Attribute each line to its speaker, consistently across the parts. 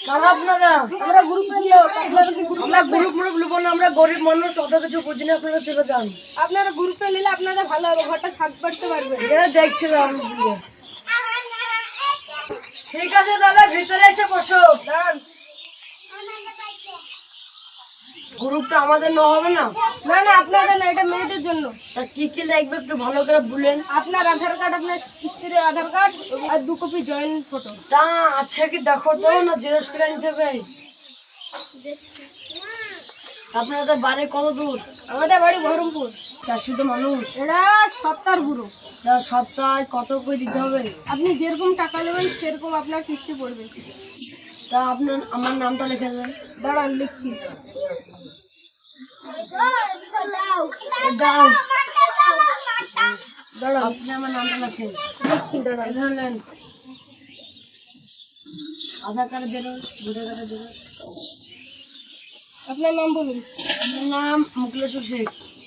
Speaker 1: আপনারা
Speaker 2: আমরা গ্রুপে নিও,
Speaker 1: আমরা গ্রুপ নেবো না, আমরা গরিব মানুষ, অত কিছু বুঝি না, আপনারা চলে যান।
Speaker 2: আপনারা গ্রুপে নিলে আপনাদের ভালো হবে, ঘরটা ছাদ পাড়তে পারবেন।
Speaker 1: এটা দেখছিলাম। ঠিক আছে দাদা, ভিতরে এসে বসো। দাঁড়ান, গ্রুপটা আমাদের না হবে না?
Speaker 2: না না, আপনাদের না, এটা মেয়েদের জন্য।
Speaker 1: তা কি কি লাগবে একটু ভালো করে বলেন।
Speaker 2: আপনার আধার কার্ড, আপনার স্ত্রীর আধার কার্ড আর 2 কপি জয়েন্ট ফটো।
Speaker 1: তা আছে কি দেখো তো, না জেরক্স করে নিতে হবে? আপনাদের বাড়ি কত দূর?
Speaker 2: আমাদের বাড়ি বহরমপুর।
Speaker 1: চাষি তো মানুষ,
Speaker 2: এটা সপ্তাহের পুরো।
Speaker 1: তা সপ্তাহে কত করে দিতে হবে?
Speaker 2: আপনি যেরকম টাকা নেবেন সেরকম আপনার কিস্তি পড়বে।
Speaker 1: তা আপনার আমার নামটা লিখে দেন।
Speaker 2: দাঁড়ান, লিখছি।
Speaker 1: দাও,
Speaker 2: দাঁড়ান,
Speaker 1: আপনি আমার নামটা লেখেন।
Speaker 2: লিখছি, দাঁড়ান।
Speaker 1: এখানে নেন। আধার কার্ডের জেরক্স, ভোটার কার্ডের জেরক্স।
Speaker 2: আপনার নাম বলুন।
Speaker 1: আমার নাম মুকলেশ্বর শেখ।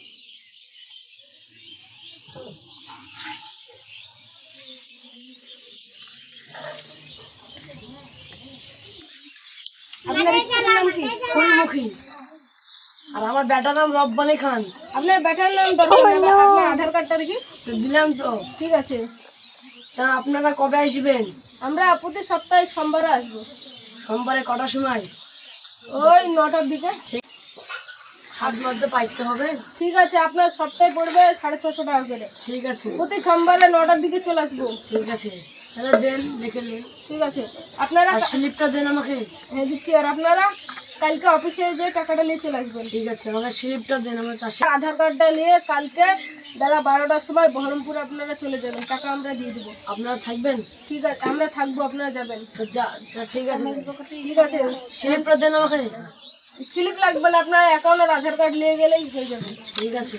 Speaker 2: আপনার স্ত্রীর নাম কি?
Speaker 1: ফুলমুখী। আর আমার বেটার নাম রব্বানি খান।
Speaker 2: আপনার বেটার নাম দরকার নেই, আপনার আধার কার্ডটা দেখি।
Speaker 1: তো দিলাম তো।
Speaker 2: ঠিক আছে,
Speaker 1: তা আপনারা কবে আসবেন?
Speaker 2: আমরা প্রতি সপ্তাহে সোমবারে আসবো।
Speaker 1: সোমবারে কটার সময়?
Speaker 2: ওই 9টার দিকে।
Speaker 1: ছাদ মধ্যে পাইতে হবে।
Speaker 2: ঠিক আছে, আপনার সপ্তাহে পড়বে 650 টাকা করে।
Speaker 1: ঠিক আছে,
Speaker 2: প্রতি সোমবারে 9টার দিকে চলে আসবো।
Speaker 1: ঠিক আছে, তাহলে দেন, লিখে নিন।
Speaker 2: ঠিক আছে, আপনারা
Speaker 1: আর স্লিপটা দেন আমাকে।
Speaker 2: হ্যাঁ দিচ্ছি। আর আপনারা কালকে অফিসে যে টাকাটা নিয়ে চলে আসবেন।
Speaker 1: ঠিক আছে, আমাকে স্লিপটা দেন, আমার চাষি।
Speaker 2: আধার কার্ডটা নিয়ে কালকে বেলা 12টার সময় বহরমপুর আপনারা চলে যাবেন, টাকা আমরা দিয়ে দেবো।
Speaker 1: আপনারা থাকবেন?
Speaker 2: ঠিক আছে, আমরা থাকবো, আপনারা যাবেন।
Speaker 1: তো ঠিক আছে,
Speaker 2: ঠিক আছে,
Speaker 1: স্লিপটা দেন আমাকে।
Speaker 2: স্লিপ লাগবে না, আপনার অ্যাকাউন্ট আর আধার কার্ড নিয়ে গেলেই হয়ে যাবে।
Speaker 1: ঠিক আছে,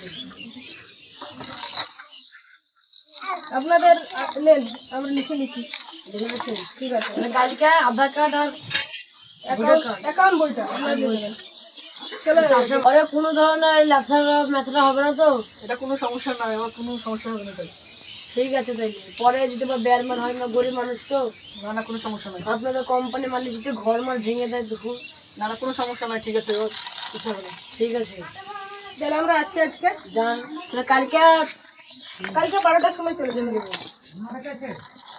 Speaker 2: আপনাদের নেন, আমরা লিখে নিচ্ছি।
Speaker 1: লিখে দিচ্ছেন?
Speaker 2: ঠিক আছে,
Speaker 1: মানে কালকে আধার কার্ড আর ভোটার কার্ড।
Speaker 2: অ্যাকাউন্ট বইটা আপনারা দিয়ে দেবেন। চলো,
Speaker 1: চাষে ঘরে কোনো ধরনের ল্যাথা ম্যাথা হবে না তো?
Speaker 2: এটা কোনো সমস্যা নয়, আমার কোনো সমস্যা হবে না।
Speaker 1: ঠিক আছে, তাই পরে যদি বা বেয়ারমান হয় না, গরিব মানুষ তো।
Speaker 2: না না, কোনো সমস্যা নয়।
Speaker 1: আপনাদের কোম্পানি মালিক যদি ঘর মাল ভেঙে দেয় দেখুন।
Speaker 2: না না, কোনো সমস্যা নয়। ঠিক আছে, কিছু হবে না।
Speaker 1: ঠিক আছে,
Speaker 2: তাহলে আমরা আসছি আজকে।
Speaker 1: যান, তাহলে কালকে
Speaker 2: 12টার সময় চলে যাবেন।